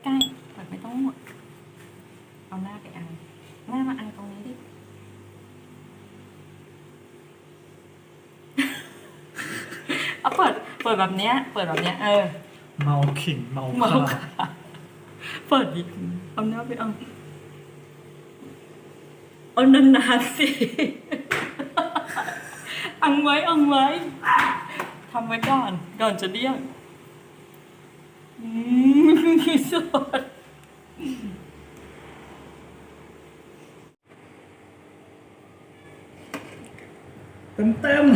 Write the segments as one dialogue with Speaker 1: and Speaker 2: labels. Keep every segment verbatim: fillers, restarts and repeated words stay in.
Speaker 1: ใกล้เปิดไม่ต้องหมดเอาหน้าไปอังหน้ามาอังตรงนี้ดิ เอาเปิดเปิดแบบเนี้ยเปิดแบบเนี้ยเออ
Speaker 2: เมาขิงเมา
Speaker 1: เมา
Speaker 2: ข้า
Speaker 1: ค่ะเปิดดิเอาหน้าไปอังเอานานๆสิ อังไว้อังไว้ทำไว้ก่อนก่อนจะเดี่ยงอืมสด
Speaker 2: เต็มเต็ม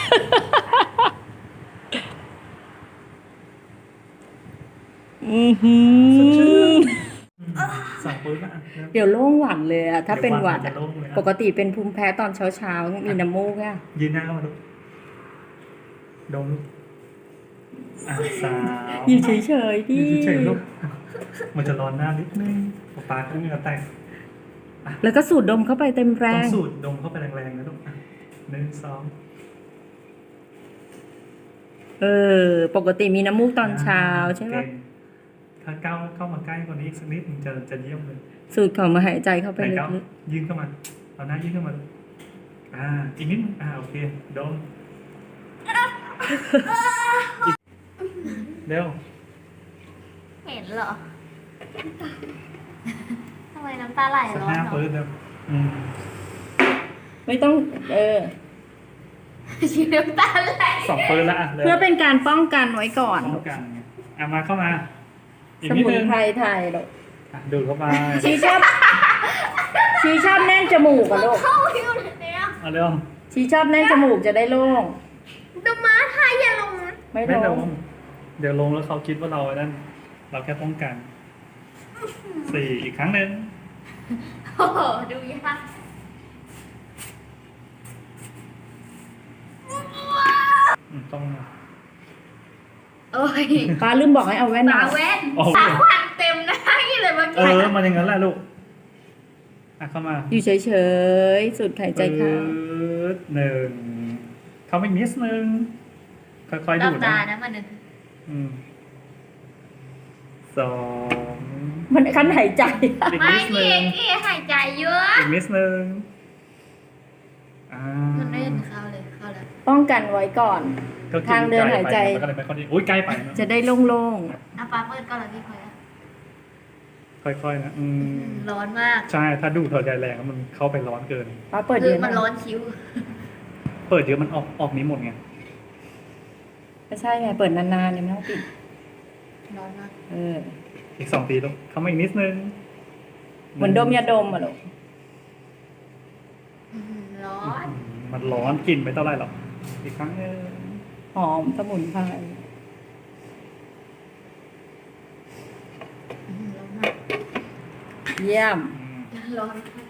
Speaker 1: อือหือ
Speaker 2: สั่งปืนละ
Speaker 1: เดี๋ยวโล่งหวัดเลยอะถ้าเป็นหวัด
Speaker 2: จะ
Speaker 1: อะ
Speaker 2: โล่งเลยนะ
Speaker 1: ปกติเป็นภูมิแพ้ตอนเช้าเช้าๆมีน้ำมูกอะ
Speaker 2: ยืนหน้าเข้ามาดูดมลูกอ่ะสาว
Speaker 1: อยู่เฉยๆดิ
Speaker 2: ยืนเฉยๆลูกมันจะร้อนหน้านิดนึงปากก็เหงื่อแตก
Speaker 1: แล้วก็สูดดมเข้าไปเต็มแร
Speaker 2: ต้อง งสูดดมเข้าไปแรงๆนะลูกอ่ะหนึ่งสอง
Speaker 1: เออ ปกติมีน้ำมูกตอนเช้าใช่ไหม
Speaker 2: เก่งถ้าก้าวเข้ามาใกล้กว่านี้อีกสักนิดมันจะจะเยี่ยมเลย
Speaker 1: สูดเข้ามาหายใจเข้าไป
Speaker 2: ไหน
Speaker 1: ลึ
Speaker 2: ก้าว
Speaker 1: ก
Speaker 2: ยื่นเข้ามาเอาหน้ายื่นเข้ามาอ่าอีกนิดนึงอ่าโอเคดมอีกเร็ว
Speaker 3: เห็นเหรอ ทำไมน้ำตาไหล
Speaker 2: สัก
Speaker 3: ร้อน
Speaker 2: ห้า
Speaker 3: เนาะ
Speaker 2: ปืนเร็วอืม
Speaker 1: ๆไม่ต้อง เออ
Speaker 3: ชีน้ำตาไหล
Speaker 2: สองปืนละอ่ะเร็ว
Speaker 1: เพื่อเป็นการป้องกันไว้ก่อน
Speaker 2: ป้องกันไงอ่ะมาเข้ามาอีก
Speaker 1: ส
Speaker 2: นิด
Speaker 1: มุน
Speaker 2: นึง
Speaker 1: ไพรไทยลูก
Speaker 2: อ่ะดูดเข้าไป
Speaker 1: ชีชอบชีชอบแน่นจมูกอะลูก
Speaker 3: เข้าอยู่เนี่ย
Speaker 2: เอาเร็ว
Speaker 1: ชีชอบแน่นจมูกจะได้โล่ง
Speaker 3: ดูม้าไทยอย่าลงนะ
Speaker 1: ไม่
Speaker 2: ไม่
Speaker 1: โล่
Speaker 2: ล
Speaker 1: ง
Speaker 2: งเดี๋ยวลงแล้วเขาคิดว่าเราไอ้นั่นเราแค่ป้องกันสี่อีกครั้งหนึ่ง
Speaker 3: โอ้โหดูยาก
Speaker 2: อืมต้อง
Speaker 3: โอ้ย
Speaker 1: ป้าลืมบอกให้เอาแว่น
Speaker 3: ตา
Speaker 1: มา
Speaker 3: แว่นตาควันเต็มหน้าเลยเมื่อ
Speaker 2: เอ
Speaker 3: กี้
Speaker 2: อมันอย่างนั้นแหละลูกอ่ะเข้ามา
Speaker 1: อยู่เฉยๆสูดหายใจเข้า
Speaker 2: ปึ๊ดหนึ่งเขาไม่มิสหนึ่งค่อยๆ
Speaker 3: หลั
Speaker 2: ดู
Speaker 3: บ
Speaker 2: ด
Speaker 3: ตา
Speaker 2: นะ
Speaker 3: นะมันนึง
Speaker 2: อืมสอง
Speaker 1: มันคันหายใจ
Speaker 2: อีก
Speaker 3: ไม่
Speaker 2: มิสห
Speaker 3: พี่
Speaker 2: นึ่
Speaker 3: เอง กพี่หายใจเยอะ
Speaker 2: อีกมิสหนึ่งอ่า
Speaker 3: มันไม่เห็นเข้าเลยเข้าแล้ว
Speaker 1: ป้องกันไว้ก่อน
Speaker 2: ก็กิ
Speaker 1: ทางเดินหายใจ
Speaker 2: มันก็เลยไม่ค่อยดีอุ้ยใกล้ไปนะ
Speaker 1: จะได้โล่ง
Speaker 3: อ่ะป้าเปิดก่อนเลยพี่พลอยอะ
Speaker 2: ค่อยๆนะอืม
Speaker 3: ร้อนมาก
Speaker 2: ใช่ถ้าดูดถอดใจแรงแล้วมันเข้าไปร้อนเกิน
Speaker 1: ๆป้าเปิด
Speaker 3: คื
Speaker 1: เย
Speaker 3: อ
Speaker 1: อะ
Speaker 3: มัน
Speaker 1: นะ
Speaker 3: ร้อนคิ้ว
Speaker 2: เปิดเยอะมันออกออกนี้หมดไง
Speaker 1: ไม่ใช่ไงเปิดนานๆเนี่ยไม่ต้องปิด
Speaker 3: ร้อนมาก
Speaker 1: เออ
Speaker 2: อีกสองทีลูกเข้ามาอีกนิดนึง
Speaker 1: เหมือนดมยาดมอะลูก
Speaker 3: อื้อหือร้อน
Speaker 2: อืมมันร้อนกลิ่นไม่เท่าไรหรอกอีกครั้งหนึง
Speaker 1: หอมสมุนไพร
Speaker 3: อื้อหือร้อนมาก
Speaker 1: เยี่ยม
Speaker 2: อืม
Speaker 3: ร้อนมาก